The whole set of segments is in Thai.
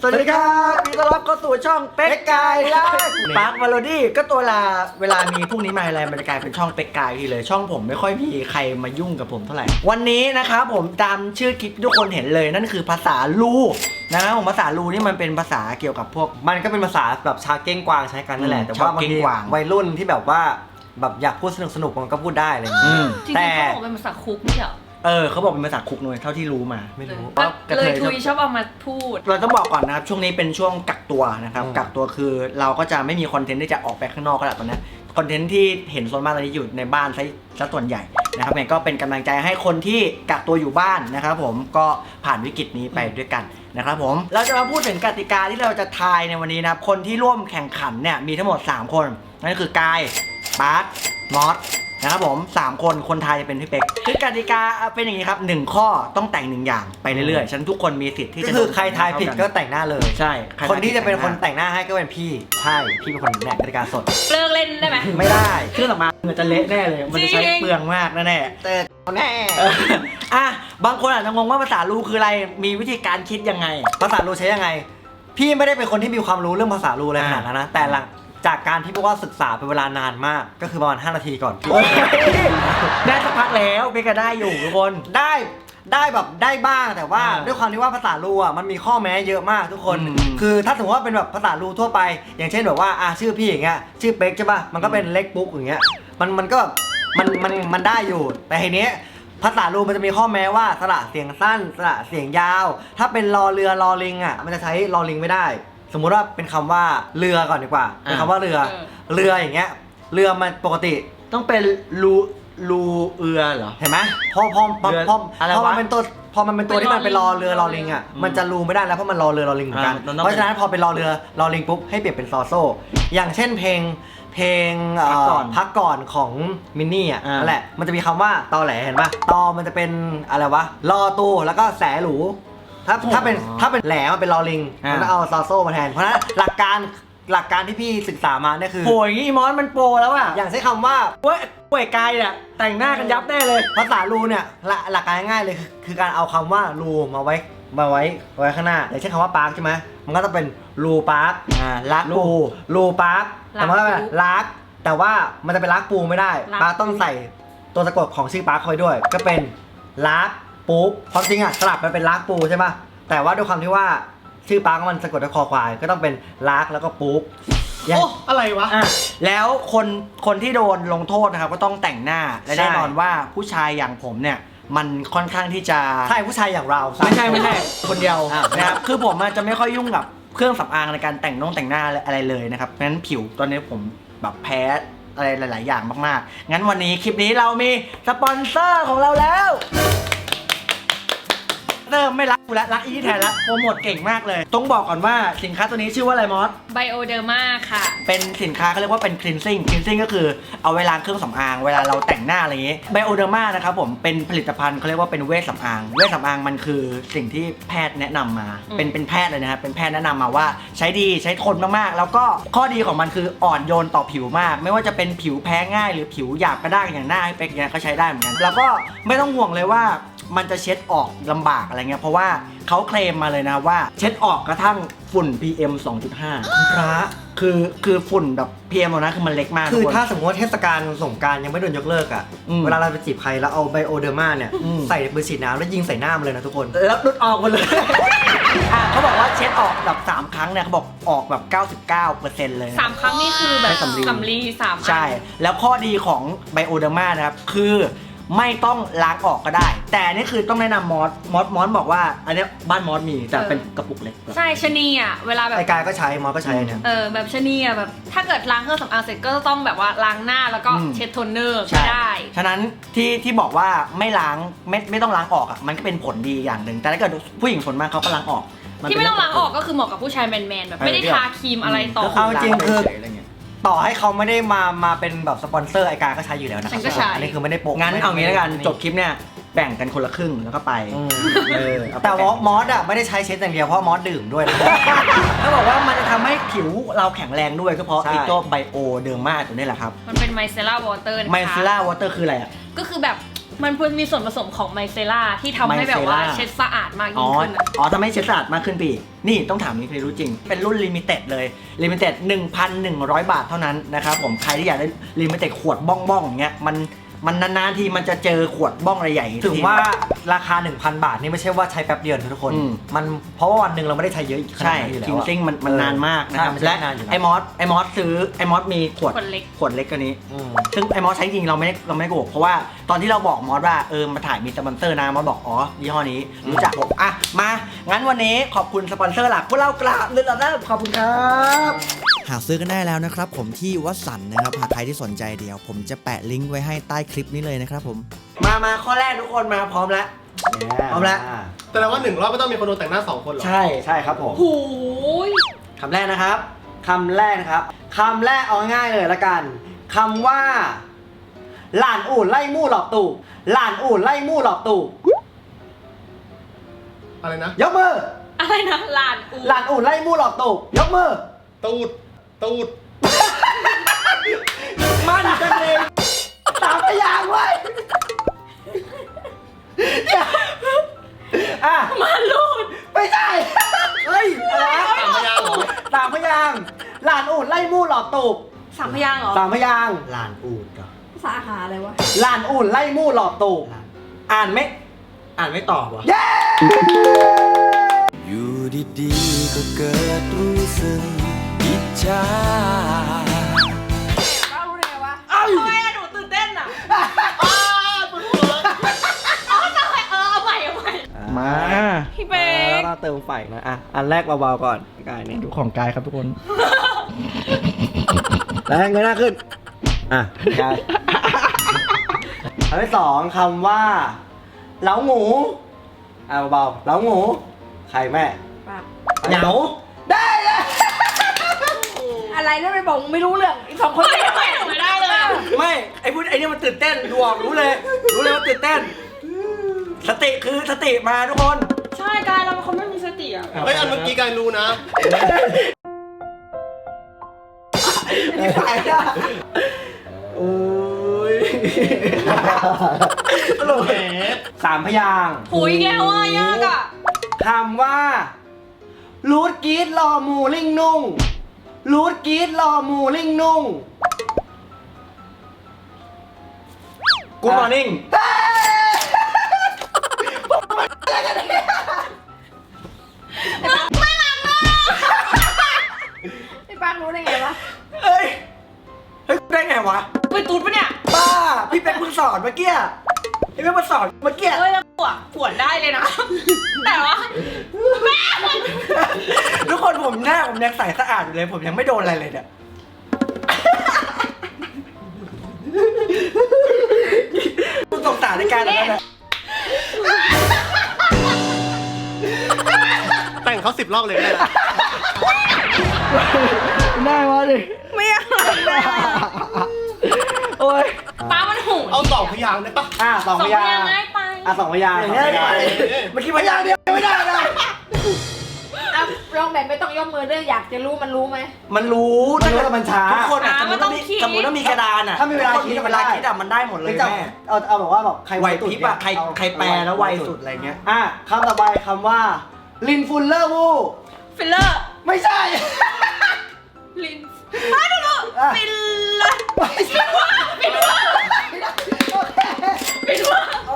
สวัสดีครับพี่ต้อนรับเข้าสู่ช่องเป็กกายไลฟ์ปาร์ควาโลดี้ก็ตัวเวลามีพวกนี้มาอะไรมันจะกลายเป็นช่องเป็กกายทีเลยช่องผมไม่ค่อยมีใครมายุ่งกับผมเท่าไหร่วันนี้นะครับผมตามชื่อคลิปทุกคนเห็นเลยนั่นคือภาษาลูนะครับผมภาษาลูนี่มันเป็นภาษาเกี่ยวกับพวกมันก็เป็นภาษาแบบชาวเก้งกวางใช้กันนั่นแหละแต่ว่าบางทีวัยรุ่นที่แบบว่าแบบอยากพูดสนุกมันก็พูดได้อะไรอย่างนี้แต่เขาบอกเป็นภาษาคุกไม่เหรอเขาบอกเป็นภาษาคุกหน่อยเท่าที่รู้มาไม่รู้เลยทุยชอบเอามาพูดเราต้องบอกก่อนนะครับช่วงนี้เป็นช่วงกักตัวนะครับกักตัวคือเราก็จะไม่มีคอนเทนต์ที่จะออกไปข้างนอกก็แล้วตอนนี้คอนเทนต์ที่เห็นส่วนมากตอนนี้อยู่ในบ้านซะส่วนใหญ่นะครับก็เป็นกำลังใจให้คนที่กักตัวอยู่บ้านนะครับผมก็ผ่านวิกฤตนี้ไปด้วยกันนะครับผมเราจะมาพูดถึงกติกาที่เราจะทายในวันนี้นะครับคนที่ร่วมแข่งขันเนี่ยมีทั้งหมด3คนนั่นคือกายบาสมอสนะครับผม3คนไทยจะเป็นพี่เป็กคือกติกาเป็นอย่างนี้ครับ1ข้อต้องแต่ง1อย่างไปเรื่อยๆฉะนั้นทุกคนมีสิทธิ์ที่จะคือใครทายผิดก็แต่งหน้าเลยใช่คนที่จะเป็นคนแต่งหน้าให้ก็เป็นพี่ใช่พี่เป็นคนแบ่งกติกาสดเลิกเล่นได้ไหมไม่ได้เครื่องสำอางมันจะเละแน่เลยมันจะใช้เปลืองมากแน่ๆแต่แน่บางคนอาจจะงงว่าภาษาลูคืออะไรมีวิธีการคิดยังไงภาษาลูใช้ยังไงพี่ไม่ได้เป็นคนที่มีความรู้เรื่องภาษาลูอะไรขนาดนั้นนะแต่หลังจากการที่พวกว่าศึกษาเป็นเวลานานมากก็คือประมาณ5 นาทีก่อนได้สักพักแล้วเบก็ได้อยู่ทุกคนได้แบบได้บ้างแต่ว่าด้วยความที่ว่าภาษาลูอ่ะมันมีข้อแม้เยอะมากทุกคนคือถ้าสมมติว่าเป็นแบบภาษาลูทั่วไปอย่างเช่นแบบว่าชื่อพี่อย่างเงี้ยชื่อเป็กใช่ป่ะมันก็เป็นเล็กปุ๊กอย่างเงี้ยมันก็มันได้อยู่แต่ทีนี้ภาษาลูมันจะมีข้อแม้ว่าสระเสียงสั้นสระเสียงยาวถ้าเป็นรอเรือรอลิงอ่ะมันจะใช้รอลิงไม่ได้สมมุติว่าเป็นคำว่าเรือก่อนดีกว่าเป็นคำว่าเรืออย่างเงี้ยเรือมันปกติต้องเป็นรูเอือเหรอเห็นไหมพอมันเป็นตัวพอมันเป็นตัวที่มันเป็นรอเรือรอลิงอ่ะมันจะรูไม่ได้แล้วเพราะมันรอเรือรอลิงเหมือนกันเพราะฉะนั้นพอเป็นรอเรือรอลิงปุ๊บให้เปลี่ยนเป็นซอโซ่อย่างเช่นเพลงพักก่อนของมินนี่อ่ะนั่นแหละมันจะมีคำว่าตอแหลเห็นป่ะตอมันจะเป็นอะไรวะรอตูแล้วก็แสหรูถ้าเป็นแหลมันเป็นรอลิงมันต้องเอาซอโซ่มาแทนเพราะฉะนั้นหลักการที่พี่ศึกษามาเนี่ยคือโหยงี้มอสมันโปรแล้วอะอย่างใช้คำว่าป่วยกายเนี่ยแต่งหน้ากันยับแน่เลยภาษารูเนี่ยหลักการง่ายๆเลยคือการเอาคำว่ารูมาไว้ข้างหน้าอย่างเช่นคำว่าปาร์คใช่ไหมมันก็ต้องเป็นรูปาร์คลักรูปาร์คแต่มันก็เป็นลักแต่ว่ามันจะเป็นลักปูไม่ได้ปาร์คต้องใส่ตัวสะกดของชื่อปาร์คเข้าไปด้วยก็เป็นลักปูความจริงสลับมันเป็นลักปูใช่ไหมแต่ว่าด้วยความที่ว่าชื่อปาร์คมันสะกดด้วยคอควายก็ต้องเป็นลักแล้วก็ปุ๊กโอ้อะไรวะแล้วคนที่โดนลงโทษนะครับก็ต้องแต่งหน้าและแน่นอนว่าผู้ชายอย่างผมเนี่ยมันค่อนข้างที่จะใช่ผู้ชายอย่างเราไม่ใช่คนเดียวนะครับคือผมจะไม่ค่อยยุ่งกับเครื่องสำอางในการแต่งหน้าอะไรเลยนะครับงั้นผิวตอนนี้ผมแบบแพ้อะไรหลายๆอย่างมากๆงั้นวันนี้คลิปนี้เรามีสปอนเซอร์ของเราแล้วไม่รักกูแล้วรักอีที่แทนแล้วโปรโมทเก่งมากเลยต้องบอกก่อนว่าสินค้าตัวนี้ชื่อว่าอะไรมอส Bioderma ค่ะเป็นสินค้าเขาเรียกว่าเป็น cleansing ก็คือเอาไว้ล้างเครื่องสำอางเวลาเราแต่งหน้าอะไรอย่างงี้ Bioderma นะครับผมเป็นผลิตภัณฑ์เขาเรียกว่าเป็นเวชสำอางมันคือสิ่งที่แพทย์แนะนำมาเป็นแพทย์เลยนะครับเป็นแพทย์แนะนำมาว่าใช้ดีใช้ทนมากๆแล้วก็ข้อดีของมันคืออ่อนโยนต่อผิวมากไม่ว่าจะเป็นผิวแพ้ง่ายหรือผิวหยาบกระด้างอย่างหน้าให้เป็กเนี่ยก็ใช้ได้เหมือนกันแล้วก็ไม่ต้องห่วงเลยว่ามันจะเช็ดออกลำบากอะไรเงี้ยเพราะว่าเขาเคลมมาเลยนะว่าเช็ดออกกระทั่งฝุ่น PM 2.5 พระคือฝุ่นแบบ PM นะคือมันเล็กมากคือถ้าสมมติว่าเทศกาลสงกรานต์ยังไม่โดนยกเลิกอ่ะเวลาเราไปจีบใครแล้วเอาไบโอเดอร์มาเนี่ยใส่ปืนฉีดน้ำแล้วยิงใส่หน้ามันเลยนะทุกคนแล้วดุดออกหมดเลยเขาบอกว่าเช็ดออกแบบ3 ครั้งเนี่ยเขาบอกออกแบบ 99% เลย 3 ครั้งนี่คือแบบสำลี3 ใช่แล้วข้อดีของไบโอเดอร์มานะครับคือไม่ต้องล้างออกก็ได้แต่นี่คือต้องแนะนำมอสบอกว่าอันนี้บ้านมอสมีแต่เป็นกระปุกเล็กใช่ชนีอ่ะเวลาแบบไอ้กายก็ใช้มอสก็ใช้เนี่ยแบบชนีอ่ะแบบถ้าเกิดล้างเครื่องสำอางเสร็จก็ต้องแบบว่าล้างหน้าแล้วก็เช็ดโทนเนอร์ไม่ได้ฉะนั้นที่บอกว่าไม่ล้างไม่ต้องล้างออกอ่ะมันก็เป็นผลดีอย่างหนึ่งแต่ถ้าเกิดผู้หญิงส่วนมากเขาก็ล้างออกที่ไม่ต้องล้างออกก็คือเหมาะกับผู้ชายแมนๆแบบไม่ได้ทาครีมอะไรต่อเอาจริงคือต่อให้เขาไม่ได้มาเป็นแบบสปอนเซอร์ไอการก็ใช้อยู่แล้วนะฉันก็ใช้อันนี้คือไม่ได้โปะงั้นเอางี้แล้วกันจบคลิปเนี่ยแบ่งกันคนละครึ่งแล้วก็ไปแต่มอสอ่ะไม่ได้ใช้เช็ดอย่างเดียวเพราะมอสดื่มด้วยนะเขาบอกว่ามันจะทำให้ผิวเราแข็งแรงด้วยก็เพราะไอ้ตัวไบโอเดอร์มาตัวนี้แหละครับมันเป็นไมเซล่าวอเตอร์ไมเซล่าวอเตอร์คืออะไรอ่ะก็คือแบบมันควรมีส่วนผสมของไมเซล่าที่ทำให้แบบว่า Micella เช็ดสะอาดมากอ๋ยิ่องขึ้นอะอ๋อทำให้เช็ดสะอาดมากขึ้นปีนี่ต้องถามนี่ใครรู้จริง เป็นรุ่นลิมิเต็ดเลยลิมิเต็ด 1,100 บาทเท่านั้นนะครับผมใครที่อยากได้ลิมิเต็ดขวดบ้องๆอย่างเงี้ยมันนานๆทีมันจะเจอขวดบ้องอะไรใหญ่ถึงว่าราคา 1,000 บาทนี่ไม่ใช่ว่าใช้แป๊บเดียวนะทุกคน มันเพราะว่าวันหนึ่งเราไม่ได้ใช้เยอะขนาใช่ดนั้นอยู่แล้วคิงซิงมันนานมากนะครับใช่มันใช้และนานอยู่แล้วไอมอสซื้อไอมอสมีขวดขวดเล็กขวดเล็กกว่านี้อืมซึ่งไอมอสใช้จริงเราไม่ได้โกหกเพราะว่าตอนที่เราบอกมอสว่ามาถ่ายมีสปอนเซอร์นะมอสบอกอ๋อยี่ห้อนี้รู้จักผมอ่ะมางั้นวันนี้ขอบคุณสปอนเซอร์หลักพวกเรากราบเลยนะขอบคุณครับหาซื้อกันได้แล้วนะครับผมที่วัดสันนะครับหากใครที่สนใจเดี๋ยวผมจะแปะลิงก์ไว้ให้ใต้คลิปนี้เลยนะครับผมมาข้อแรกทุกคนมาพร้อมแล้ว พร้อมแล้วแต่ว่า1 รอบไม่ต้องมีคนโดนแต่งหน้า2 คนหรอใช่ใช่ครับผมหูยคำแรกนะครับคำแรกนะครับคำแรกเอาง่ายๆเลยละกันคำว่าหลานอู่ไล่มู่หลอกตู่หลานอู่ไล่มู่หลอกตู่อะไรนะยกมืออะไรนะลานอูหลานอู่ไล่มู่หลอกตู่ยกมือตูดมั่นกันเองสามพยางค์ไว้อ่ะมาลูดไม่ใช่เฮ้ยอะไรนะ 3 พยางค์เหรอสามพยางค์หลานอู่ไล่มู่หลอกตู่ 3 พยางค์เหรอสามพยางค์ลานอูดกับภาษาอาหารอะไรวะหลานอู่ไล่มู่หลอกตู่อ่านไหมอ่านไม่ตอบวะเย้อยู่ดีๆก็เกิดรู้สึกอิจฉาป้ารู้ได้ไงวะทำไมอะหนูตื่นเต้นอะอ๋อทำไมเอาใหม่มาพี่เป๊กเราเติมไฟนะอ่ะอันแรกเบาๆก่อนกายนี่ดูของกายครับทุกคนแล้วเงยหน้าขึ้นอ่ะกายอันที่สองคำว่าเหลาหมูอ่ะเบาๆเหลาหมูใครแม่ป้าเหงาได้เลยอะไรนั่นไม่บอกไม่รู้เรื่องอีก2 คนไม่ได้หนูไม่ได้เลยอะไม่ไอ้พูดไอ้นี่มันตื่นเต้นดูออกรู้เลยว่าตื่นเต้น สติคือสติมาทุกคนใช่กายเราเป็นคนไม่มีสติอะเฮ้ย อันเมื่อกี้กายรู้นะมีไฟอ่ะโอ้ยตลกแหมสามพยางค์หูยอีกแล้วอะยากอะคำว่ารูดกรีดรอหมูลิงนุ่งรูดกรีดรอหมูลิงนุ่งกูมอร์นิ่งไอ้ป้ารู้ได้ไงวะเฮ้ยได้ไงวะไปตูดปะเนี่ยบ้าพี่เป็นมึงสอนเมื่อกี้พี่เป็นมาสอนเมื่อกี้เอ้ยแล้วขวดได้เลยนะ แต่ว่าแม่ทุกคนผมหน้าผมยังใสสะอาดอยู่เลยผมยังไม่โดนอะไรเลยเนี่ยกูสงสารในการแล้วนะแต่งเขา10 รอบเลยก็ได้นะได้วะดิไม่อยากเลยอะโอ้ยป้ามันหูเอา2 พยางค์ได้ปะอ่ะสองพยางค์ค์ง่ายไปอ่ะสองพยางค์อย่างเงี้ยสองพยางค์เมื่อกี้พยางค์เดียวไม่ได้นะอ่ะลองแบบไม่ต้องยกมือด้วยอยากจะรู้มันรู้ไหมมันรู้มันรู้ว่ามันช้าทุกคนอ่ะสมมติว่ามีกระดานอ่ะถ้ามีเวลาคิดเวลาคิดอ่ะมันได้หมดเลยไม่จับแม่เอาแบบว่าแบบใครไหวสุดพริบอ่ะใครเอาใครแปลแล้วไวสุดอะไรเงี้ยอ่ะคำต่อไปคำว่าลินฟุลเลอร์วูฟิลเลอร์ไม่ใช่ลินป้าดูดูอ่ะฟิลเลอร์ไม่ใช่ฟิลเลอร์โอเคฟิลเลอร์โอ้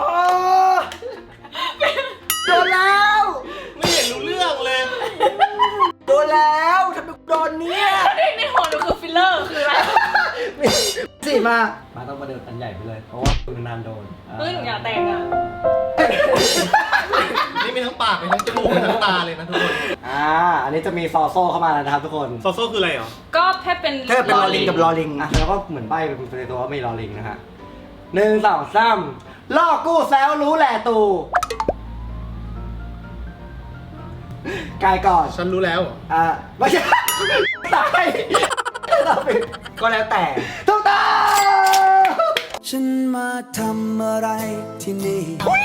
โดนแล้วไม่เห็นรู้เรื่องเลยโดนแล้วทำไมโดนเนี่ยในหัวหนูคือฟิลเลอร์คืออะไรสิมาต้องมาเดินอันใหญ่ไปเลย เพราะว่าคุณนานโดนเฮ้ยหนูอยากแต่งอะนี่มีทั้งปากมีทั้งจมูกมีทั้งตาเลยนะทุกคนอันนี้จะมีซอโซ่เข้ามาแล้วนะครับทุกคนโซโซ่คืออะไรเหรอก็แค่เป็นถ้าเป็นลอลิงกับลอลิงอ่ะแล้วก็เหมือนใบเป็นตัวว่าไม่รอลิงนะฮะ1 2 3ล่อกู้แซวรู้แหล่ตูกายก่อนฉันรู้แล้วเหรอไม่ใช่ตายก็แล้วแต่ถูกต้องฉันมาทำอะไรที่นี่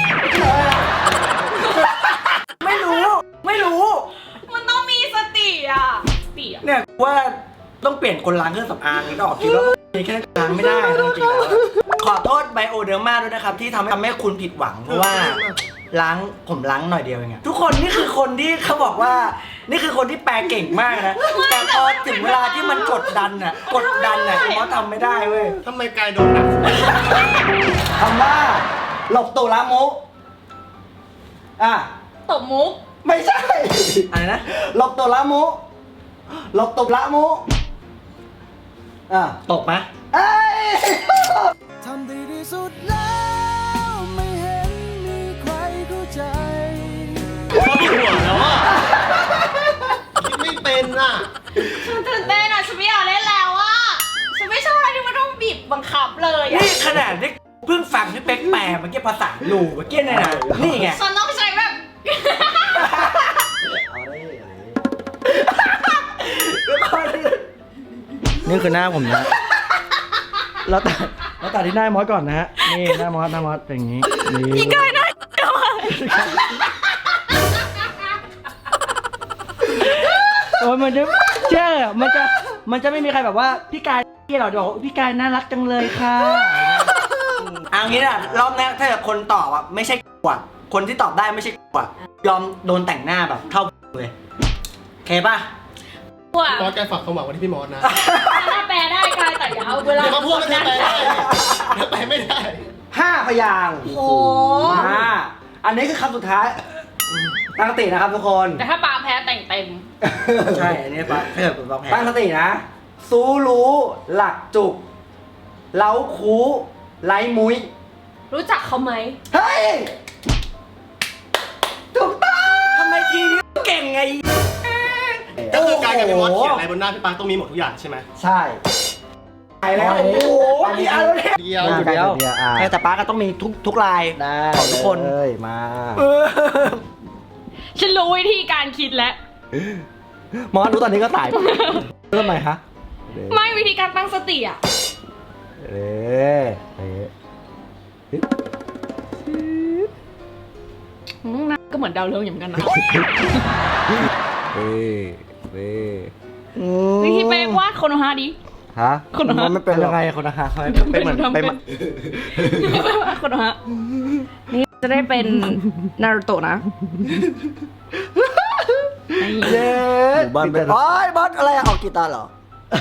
ไม่รู้ไม่รู้มันต้องมีสติอะสติอะเนี่ยว่าต้องเปลี่ยนคนล้างเครื่องสำอางนี่ก็ออกคิดว่ามีแค่ล้างไม่ได้จริงๆแล้วขออโทษไบโอเดอร์มาด้วยนะครับที่ทำให้คุณผิดหวังเพราะว่าผมล้างหน่อยเดียวเองทุกคนนี่คือคนที่เขาบอกว่านี่คือคนที่แปลเก่งมากนะแต่พอถึงเวลาที่มันกดดันเขาทำไม่ได้เว้ยทำไมกายโดนหนักคำว่าหลบตุลามุอ่ะตบมุกไม่ใช่อะไรนะหลบตุลามุหลบตุลามุอ่ะตกไหมเอ้ยทำดีที่สุดแล้วไม่เห็นมีใครเข้าใจเขาปวดหัวแล้วอ่ะคิดไม่เป็นอ่ะฉันตื่นเต้นอ่ะฉันไม่อยากเล่นแล้วอ่ะฉันไม่ชอบอะไรที่มันต้องบีบบังคับเลยอ่ะนี่ขนาดที่เพิ่งฟังพี่เป๊กแปลเมื่อกี้ภาษาลูเมื่อกี้เนี่ยนะนี่ไงฉันต้องใช้แบบนี่คือหน้าผมนะเราตัดที่หน้ามอสก่อนนะฮะนี่หน้ามอสเป็นอย่างนี้นี่กายหน้าโอ้ยมันจะเชื่อมันจะไม่มีใครแบบว่าพี่กายที่เราบอกพี่กายน่ารักจังเลยค่ะเอางี้นะรอบนี้ถ้าเกิดคนตอบอ่ะไม่ใช่กว่าคนที่ตอบได้ไม่ใช่กว่ายอมโดนแต่งหน้าแบบเท่าเลยโอเคป่ะว่ามอสกายฝากความหวังไว้ที่พี่มอสนะถ้าแปลได้กายแต่อย่าเอาเวลาอย่ามาพูดว่าจะแปลได้ถ้าแปลไม่ได้ 5 พยางค์โอ้อันนี้คือคำสุดท้ายตั้งสตินะครับทุกคนแต่ถ้าปาแพ้แต่งเต็มใช่อันนี้ป่ะถ้าเกิดเป็นบางแพ้ตั้งสตินะซูรู้หลักจุกเล้าคูไร้มุ้ยรู้จักเขาไหมเฮ้ยถูกต้องทำไมทีนี้เก่งไงก็คือกายกับพี่มอสเขียนอะไรบนหน้าพี่ปาต้องมีหมดทุกอย่างใช่ไหมใช่ไปแล้วโอ้โหกี่อันแล้วเนี่ยเดียวมาอยู่เดีเดียยว วแต่ป้าก็ต้องมีทุกลายได้ของทุกคนเลยมาฉันรู้วิธีการคิดแล้วมอสรู้ตอนนี้ก็สายเริ่มใหม่ฮะไม่วิธีการตั้งสติอ่ะเอ๊ะน่าก็เหมือนดาวเรืองอยู่เหมือนกันนะ วิธีไปวาดโคโนฮาดิฮะคนละฮะมันเป็นยังไงคนละฮะเป็นเหมือนเป็นโคโนฮะนี่จะได้เป็นนารูโตะนะเย้บ้านเป็นโอ้ยบอสอะไรอะออกกีตาร์เหรอ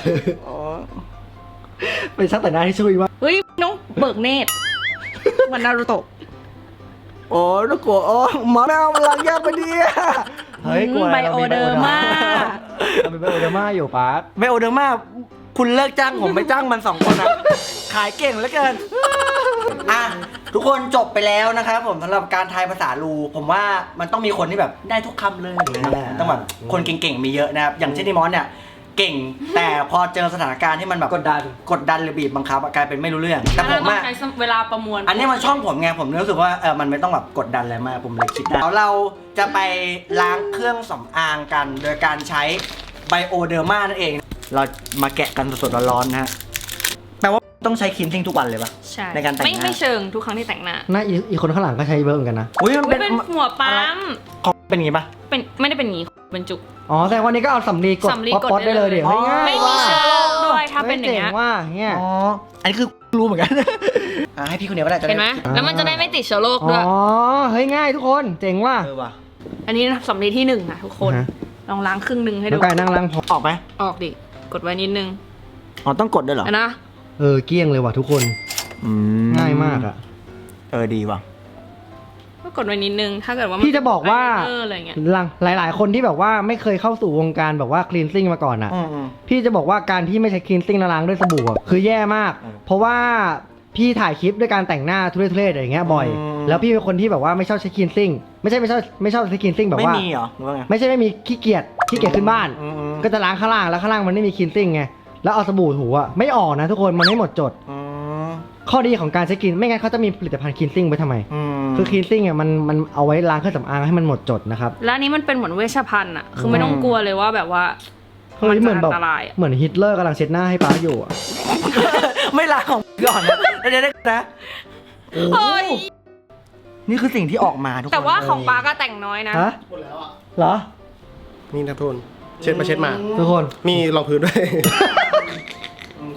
เป็นช่างแต่งหน้าที่ช่วยมากเฮ้ยน้องเบิกเนตรเหมือนนารูโตะโอ้ลูกกลัวโอ้หมอแมวมันลังยากไปดิเฮ้ยกลัวไบโอเดอร์มาเราเป็นไบโอเดอร์มาอยู่ปาร์คไบโอเดอร์มาคุณเลิกจ้างผมไปจ้างมัน2 คนนะขายเก่งเหลือเกินอ่ะทุกคนจบไปแล้วนะครับผมสำหรับการทายภาษาลูผมว่ามันต้องมีคนที่แบบได้ทุกคำเลยนะครับต้องแบบคนเก่งๆมีเยอะนะครับอย่างเช่นที่มอสเนี่ยเก่งแต่พอเจอสถานการณ์ที่มันแบบกดดันหรือบีบบังคับกลายเป็นไม่รู้เรื่องแต่ผมต้องอะใช้เวลาประมวลอันนี้มันช่องผมไงผมรู้สึกว่ามันไม่ต้องแบบกดดันอะไรมากผมเลยคิดได้เราจะไปล้างเครื่องสำอางกัน โดยการใช้ไบโอเดอร์มานั่นเอง เรามาแกะกันสดๆร้อนๆนะฮะแปลว่าต้องใช้ครีมทิ้งทุกวันเลยปะใช่ในการแต่งหน้าไม่เชิงทุกครั้งที่แต่งหน้าน่าอีกคนข้างหลังก็ใช้เบอร์เหมือนกันนะอุ้ยมันอุ๊ยเป็นเป็นหัวปั๊มของเป็นอย่างงี้ปะเป็นไม่ได้เป็นอย่างนี้เป็นจุกอ๋อแต่วันนี้ก็เอาสำลีกดสำลีกดป๊อปได้เลยเดี๋ยวได้เลยง่ายไม่มีว่าเชื้อโรคด้วยถ้าเป็นอย่างเงี้ยจ๋ว่าเงี้ยอ๋ออันนี้คือรู้เหมือนกัน ให้พี่คนเดียวก็ได้จะด้เห็นไหมแล้วมันจะได้ไม่ติดเชื้อโรคด้วยอ๋อเฮ้ยง่ายทุกคนเจ๋งว่ะว่ะอันนี้สำลีที่1นะทุกคนอ่าฮะลองล้างครึ่งหนึ่งให้น้ดูองกายนั่งล้างพอออกไหมออกดิกดไว้นิดนึงอ๋อต้องกดด้วยเหรออันนะเกลี้ยงเลยว่ะทุกคนง่ายมากอ่ะดีว่ะก็กดไว้นิดนึงถ้าเกิดว่าพี่จะบอกว่าไลเนอร์อะไรเงี้ยหลาย ๆ คนที่แบบว่าไม่เคยเข้าสู่วงการแบบว่าคลีนซิ่งมาก่อนอ่ะอืมพี่จะบอกว่าการที่ไม่ใช้คลีนซิ่งล้างด้วยสบู่อะคือแย่มากอืมเพราะว่าพี่ถ่ายคลิปด้วยการแต่งหน้าทุเรศๆอย่างเงี้ยบ่อยอืมแล้วพี่เป็นคนที่แบบว่าไม่ชอบใช้คลีนซิ่งไม่ชอบใช้คลีนซิ่งแบบไม่ว่ามีเหรอหรือว่าไงไม่มีขี้เกียจขึ้นบ้านอืมก็จะล้างข้างล่างแล้วข้างล่างมันไม่มีคลีนซิ่งไงแล้วเอาสบู่ถูอ่ะไม่ออกนะทุกคนมันไม่หมดจดอืมข้อดีของการใช้คลีนไม่งั้นเขาจะมีผลิตภัณฑ์คลีนซิ่งไว้ทำไมมคือคลีนซิ่งอ่ะมันเอาไว้ล้างเครื่องสำอางให้มันหมดจดนะครับแล้วอันนี้มันเป็นเหมือนเวชภัณฑ์อ่ะคือไม่ต้องกลัวเลยว่าแบบว่าเฮ้ยเหมือนแบบอันตรายอะเหมือนฮิตเลอร์กำลังเช็ดหน้าให้ป้าอยู่อ่ะไม่ล้างของก่อนนะเดี๋ยวนะเฮ้ยนี่คือสิ่งที่ออกมาทุกคนแต่ว่าของปาก็แต่งน้อยนะฮะหมดแล้วอ่ะเหรอนี่นะทุนเช็ดมาทุกคนมีรองพื้นด้วยก็ออกเลย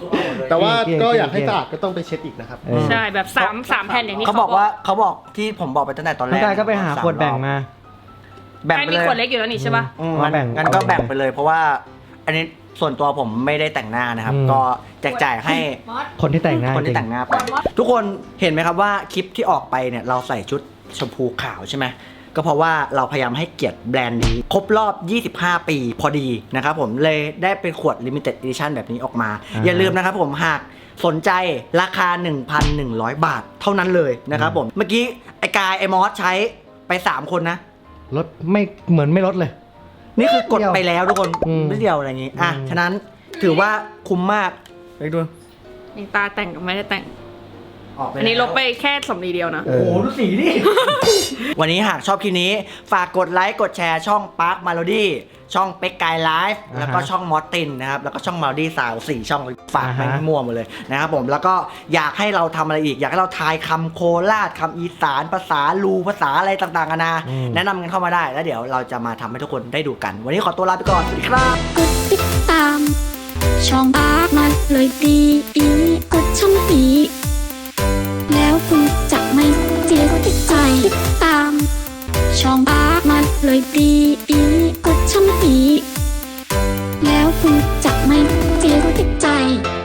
แต่ว่าเกลี้ยงก็อยากให้เกลี้ยงสะอาดก็ต้องไปเช็ดอีกนะครับใช่แบบ3แผ่นอย่างนี้เขาบอกว่าเขาบอกที่ผมบอกไปตั้งแต่ตอนแรน้องกกายก็ไปหาขวดแบ่งมาแบ่งไอ้ไปมีเลยขวดเล็กอยู่แล้วนี่ใช่ป่ะมาแบ่งงั้นก็แบ่งไปเลย เพราะว่าอันนี้ส่วนตัวผมไม่ได้แต่งหน้านะครับ ก็แจกจ่ายให้มอสคนที่แต่งหน้าคนที่แต่งหน้าไป ทุกคนเห็นไหมครับว่าคลิปที่ออกไปเนี่ยเราใส่ชุดชมพูขาวใช่ไหมก็เพราะว่าเราพยายามให้เกียรติแบรนด์นี้ครบรอบ 25 ปีพอดีนะครับผมเลยได้เป็นขวด Limited Edition แบบนี้ออกมา อย่าลืมนะครับผมหากสนใจราคา 1,100 บาทเท่านั้นเลยนะครับผมเมื่อกี้ไอ้กายไอ้มอสใช้ไป 3 คนนะลดไม่เหมือนไม่ลดเลยนี่คือกดไปแล้วทุกคนอืมนิดเดียวอะไรอย่างงี้อ่ะอืมฉะนั้นถือว่าคุ้มมากไปดูนี่ตาแต่งกับไม่ได้แต่งออกไปอันนี้แวลบไปแค่สำลีเดียวนะเอโอ้อโหดูสีดิ วันนี้หากชอบคลิปนี้ ฝากกดไลค์ กดแชร์ช่อง Park Melody ช่องเป็กกายไลฟ์แล้วก็ช่องมอสตินนะครับ แล้วก็ช่อง Melody สาว4ช่องฝากไปให้มั่วหมดเลยนะครับผม แล้วก็อยากให้เราทำอะไรอีก อยากให้เราทายคำโคราชคำอีสานภาษาลูภาษาอะไรต่างๆกันานะแนะนำกันเข้ามาได้ แล้วเดี๋ยวเราจะมาทำให้ทุกคนได้ดูกัน วันนี้ขอตัวลาไปก่อน สวัสดีครับกดติดตาม ช่องอาร์มาเลยดีอีกดช่องปีแล้วคุณจะไม่เสียใจติดตาม ช่องอาร์มาเลยดีอีกดช่องปีแล้วคุณจะไม่เสียใจ